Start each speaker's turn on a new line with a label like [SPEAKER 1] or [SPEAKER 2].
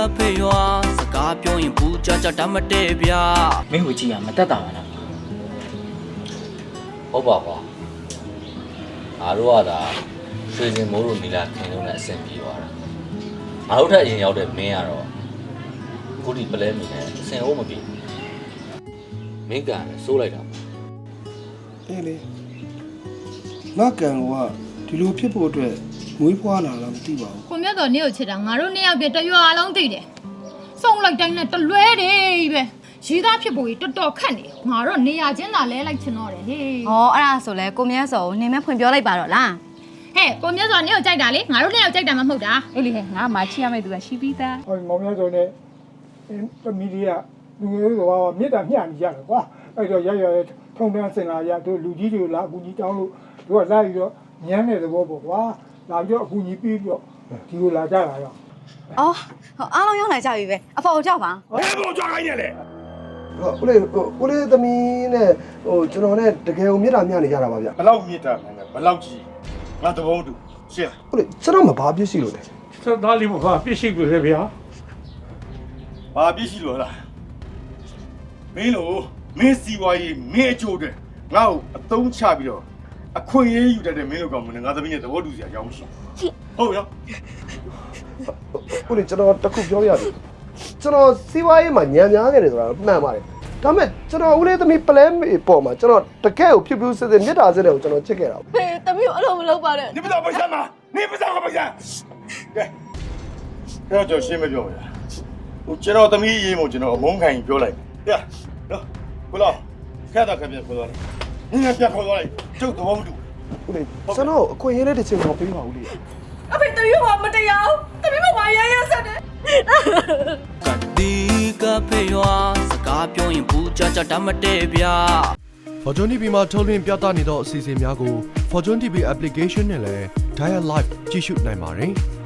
[SPEAKER 1] ဖေရွာစကားပြောရင်ဘူးကြတတ်မတည့်ဗျာမင်းကိုကြည့်ရမတက်တာပါလား
[SPEAKER 2] ဟုတ်ပါကွာအားတော့ကဒါရွှေစင်မိုးတို့နီလာခင်လုံးနဲ့အဆင်ပြေသွားတာငါတို့ထက်အရင်ရောက်တဲ့မင်းကတော့ခုဒီပလဲမီနဲ့အဆင်ဟုတ်မပြေမင်းကန်စိုးလိုက်တာ
[SPEAKER 3] အေးလေငါကန်ကဒီလိုဖြစ်ဖို့အတွက်မွေးဖွားလာလားမသိပါဘူး
[SPEAKER 4] ကိုမြတ်တော်နေ့ကိုချစ်တာငါတို့နှစ်ယောက်ပြတရွာလုံးသိတယ်စုံလိုက်တိုင်းနဲ့တလွဲတယ်ပဲရီးသားဖြစ်ဖို့တော်တော်ခက်နေငါတော့နေရချင်းသာလဲလိုက်ချင်တော့တယ်ဟေး
[SPEAKER 5] ဟောအဲ့ဒါဆိုလဲကိုမြတ်စောကိုနေမဲ့ဖွင့်ပြောလိုက်ပါတော့လား
[SPEAKER 4] ဟဲ့ကိုမြတ်စောနေ့ကိုကြိုက်တာလေငါတို့နှစ်ယောက်ကြိုက်တာမှမဟုတ်တာ
[SPEAKER 6] အေးလေငါမှချီရမယ့်သူကရှိပြီးသား
[SPEAKER 7] ဟောမောင်မြတ်စုံနဲ့မီဒီယာလူငယ်တွေကမြေတားမျှနေကြတယ်ကွာအဲ့တော့ရထုံတန်းစင်လာရတို့လူကြီးတွေလာအကူကြီးတောင်းလို့တို့ကလာပြီးတော့ညမ်းတဲ့သဘောပေါ့ကွာလာပြီးတော့အကူကြီးပြီးပြီးတော့ဒီလိုလာကြတာရော
[SPEAKER 5] အော်အားလုံးရောက်လာကြပြီပဲအဖေကိုကြောက်ပါ
[SPEAKER 3] ဘယ်လိုကြောက်ခိုင်းရလဲဦးလေးသမီးနဲ့ကျွန်တော်နဲ့တကယ်ကိုမြေတားမျှနေကြတာပါဗျ
[SPEAKER 8] ဘလောက်မြေတားမယ်ဘလောက်ကြီးငါသဘောတူရှင်း
[SPEAKER 3] ဦးလေးကျွန်တော်မဘာပြစ်ရှိလို့လဲ
[SPEAKER 7] ဆက်သားလေးမဘာပြစ်ရှိလို့လေဗျာ
[SPEAKER 8] ဘာပြစ်ရှိလို့လားမင်းလို့မင်းစီဝါရေးမင်းအကျိုးတဲ့ငါ့ကိုအသုံးချပြီးတော့အခွင့်အရေးယူတတ်တဲ့မင်းတို့ကောင်မင်းငါသမီးနဲ့သဘောတူစရာအကြောင်းမရှိဟုတ်ရော
[SPEAKER 3] ဦးလေးကျွန်တော်တခုပြောရစီကျွန်တော်စီးပွားရေးမှာညံများနေတယ်ဆိုတာမှန်ပါတယ်ဒါပေမဲ့ကျွန်တော်ဦးလေးသမီးပလဲမေပေါ်မှာကျွန်တော်တကယ်ကိုဖြစ်ဖြစ်စစ်စစ်မြတ်တာစစ်တဲ့ကိုကျွန်တော်ချစ်ခဲ့တာ
[SPEAKER 5] ဖေးသမီးကိုအဲ့လိုမလုပ်ပါနဲ့
[SPEAKER 8] နေပစားပစမ်းမနေပစားကပစမ်းကဲအဲ့တော့ရှင်းမပြောဘူးလားဟိုကျွန်တော်သမီးရေးမို့ကျွန်တော်အမုန်းခံရင်ပြောလိုက်ပြနော်ကိုလောခက်တာခက်ပြခေါ်သွားလိုက်နင်းပြခေါ်သွားလိုက်ကျုပ်သဘောမတူ
[SPEAKER 3] ဦးလေးကျွန်တော်အခွင့်အရေးလေးတစ်ချိန်တော့ပေးပါဦးလေး
[SPEAKER 5] အဖေသမီးကမတရားသမီးကဝါရရဆက်တယ်
[SPEAKER 1] ကတိကဖေရွာစကားပြောရင်ဘူးကြတတ်မတည့်ဗျာ
[SPEAKER 9] Fortune TV မှာထုတ်လွှင့်ပြသနေသောအစီအစဉ်များကို Fortune TV application နဲ့လည်း Dial Live ကြည့်ရှုနိုင်ပါတယ်။